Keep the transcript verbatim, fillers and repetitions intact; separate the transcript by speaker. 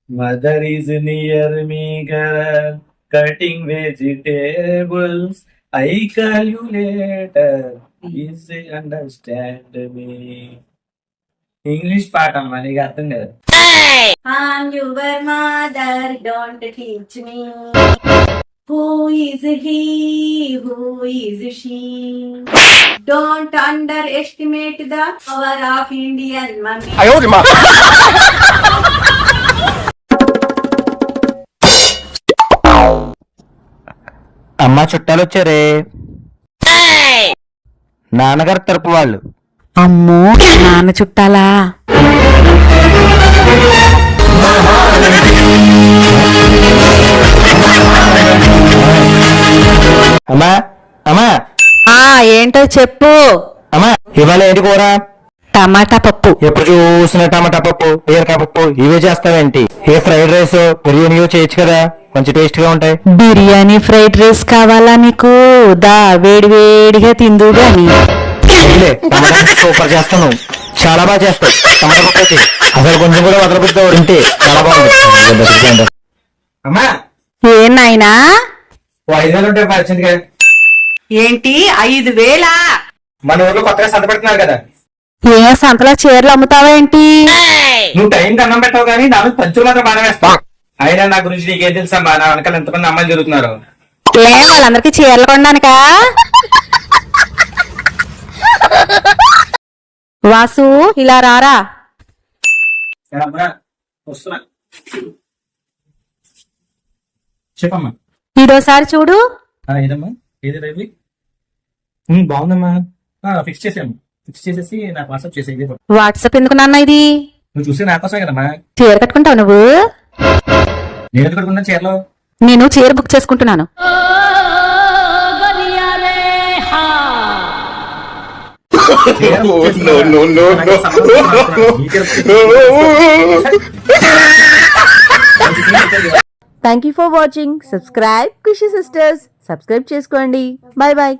Speaker 1: Mother is near me, girl, cutting vegetables. I call you later. Please understand me. English పాట అమ్మా నీకు అర్థం కదా.
Speaker 2: I'm your mother, don't teach me. Who is he? Who is she? Don't underestimate the power of Indian mummy.
Speaker 3: అమ్మా చుట్టాలు వచ్చారే, నాన్నగారు తరపు వాళ్ళు.
Speaker 4: అమ్మో నాన్న చుట్టాలా?
Speaker 3: అమ్మా అమ్మా
Speaker 4: ఆ ఏంటో చెప్పు.
Speaker 3: అమ్మా ఇవాళ ఏంటి కూర?
Speaker 4: టమాటా పప్పు.
Speaker 3: ఎప్పుడు చూసిన టమాటా పప్పు, బీరకాయ పప్పు ఇవే చేస్తావేంటి? ఏ ఫ్రైడ్ రైస్ బిర్యానీయో చేయొచ్చు కదా, మంచి టేస్ట్ గా ఉంటాయి.
Speaker 4: బిర్యానీ ఫ్రైడ్ రైస్ కావాలా నీకు? దా వేడి వేడిగా తిందు గాని.
Speaker 3: టమాటా పప్పు సూపర్ చేస్తాను, చాలా బాగా చేస్తావు. టమాటా పప్పు అయితే అసలు కొంచెం కూడా వదలబుద్ది తింటే చాలా బాగుంది. అమ్మా
Speaker 4: ఏం నాయనా?
Speaker 3: ఐదు వేలు ఉంటాయి వచ్చింది.
Speaker 4: ఏంటి ఐదు వేలా?
Speaker 3: మన ఊర్లో కొత్తగా సంత పెడుతున్నారు కదా.
Speaker 4: ఏ సంతలో చీరలు అమ్ముతావా ఏంటి?
Speaker 3: నువ్వు టైం అన్నం పెట్టావు కానీ నా పంచులు మాత్రం బాగా వేస్తావు. అయినా నా గురించి నీకేం తెలుసమ్మా, నా వెనకాల ఎంతమంది అమ్మాయిలు జరుగుతున్నారు.
Speaker 4: ఏ వాళ్ళందరికీ చీరలు కొనడానికా? వాసు ఇలా రారా.
Speaker 1: వస్తున్నా చెప్పమ్మా.
Speaker 4: ఇదోసారి చూడు.
Speaker 1: ఏదమ్మా ఏది రైవి బాగుందమ్మా. ఫిక్స్ చేసాము, ఫిక్స్ చేసేసి నాకు వాట్సాప్ చేసే.
Speaker 4: వాట్సాప్ ఎందుకు నాన్న ఇది?
Speaker 1: నువ్వు చూసి నా కోసమే కదమ్మా.
Speaker 4: చీర కట్టుకుంటావు నువ్వు?
Speaker 1: నేను ఎందుకు కట్టుకున్నా చీరలో?
Speaker 4: నేను చీర బుక్ చేసుకుంటున్నాను.
Speaker 5: Thank you for watching. Subscribe Khushi sisters. Subscribe చేసుకోండి. Bye bye.